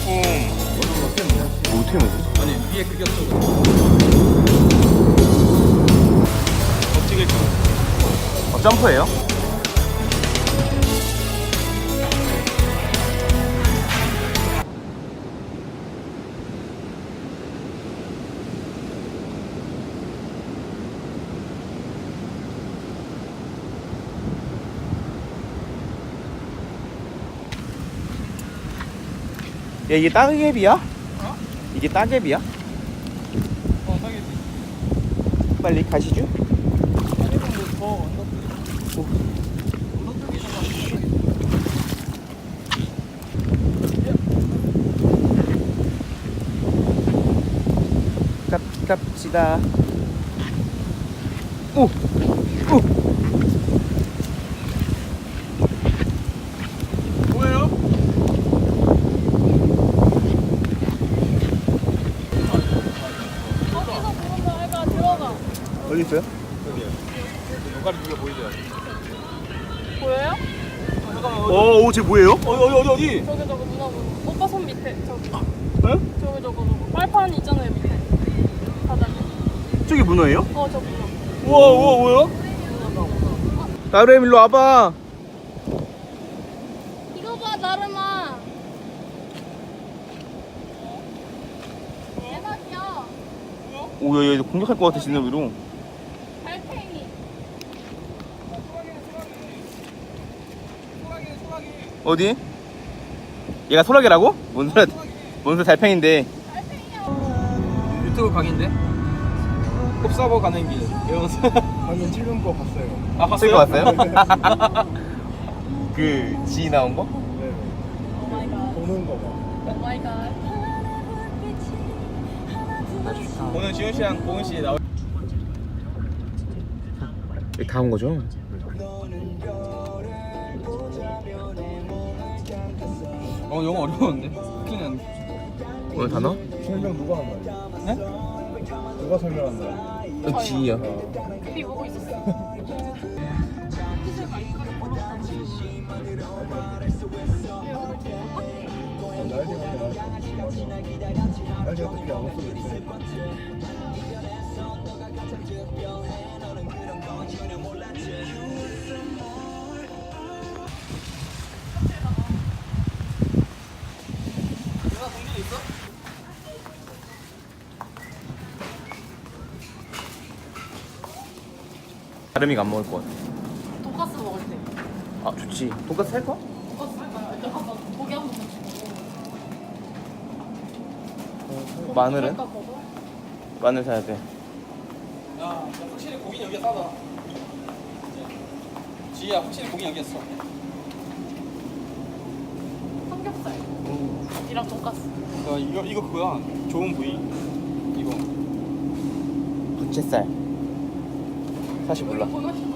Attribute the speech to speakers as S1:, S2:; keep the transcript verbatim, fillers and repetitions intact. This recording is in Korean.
S1: 뭐 어떻게 먹어?
S2: 아니 위에 그게 없어. 어떻게
S1: 어, 점프예요? 야, 이게 따개비야?
S2: 어?
S1: 이게 따개비야?
S2: 어 사겠지.
S1: 빨리 가시죠.
S2: 아니면 뭐더 언덕.
S1: 오.
S2: 언덕 쪽이
S1: 갑, 갑시다. 오! 오!
S2: 뭐예요?
S3: 거기서 보는 거 알까? 들어가.
S1: 어디 있어요?
S2: 요가리 누가 보이죠?
S3: 보여요?
S1: 어, 오, 쟤 뭐예요?
S2: 어디 어디 어디 어디?
S3: 저기 저거 누나 보는 오빠 손 밑에 저기
S1: 에?
S3: 저기 저거 저거 빨판 있잖아요 밑에 바닥에.
S1: 저기 문어예요?
S3: 어 저 문어.
S2: 우와 우와 뭐야?
S1: 나름 일로 와봐.
S3: 이거 봐 나름아. 대박이야.
S1: 오, 야, 얘 공격할 것 같아, 진짜 위로.
S3: 달팽이.
S1: 어디? 얘가 소라게라고? 뭔 소라, 뭔 소라 달팽인데.
S3: 달팽이야.
S2: 유튜브 강인데? kop사버 가는 길 이러면서.
S4: 방금 찍은 거 봤어요.
S2: 아
S1: 쓸거
S2: 봤어요?
S1: 봤어요? 그, 지 나온 거?
S4: 네.
S3: 오 마이 갓.
S4: 보는 거 봐.
S3: 오 마이 갓.
S2: 오늘 지훈 씨랑 고은 씨 나올.
S1: 여기 다 온 거죠?
S2: 어 영어 어려웠는데? 큰일 났네.
S1: 오늘 단어?
S4: 설명 누가 한 거야?
S2: 네?
S4: 누가 설명한 거야?
S1: 어, 지야.
S3: 비 보고 있었어.
S4: 날개 같은 거 날개 같은 게안 없어도 있어.
S2: 누나 동전 있어?
S1: 다름이가 안 먹을 것 같아.
S3: 돈가스 먹을 때.
S1: 아, 좋지. 돈까스 살 거?
S3: 돈가스 할까요? 일단 한번 고기 한번 먹고.
S1: 마늘은?
S3: 그럴까 보고.
S1: 마늘 사야 돼.
S2: 야 확실히 고기는 여기가 싸다. 지희야 확실히 고기 여기 있어.
S3: 삼겹살. 이랑 돈가스.
S2: 야 이거 이거 그거야. 좋은 부위. 이거.
S1: 부채살. 사실 몰라.
S3: 이거 보고 싶어.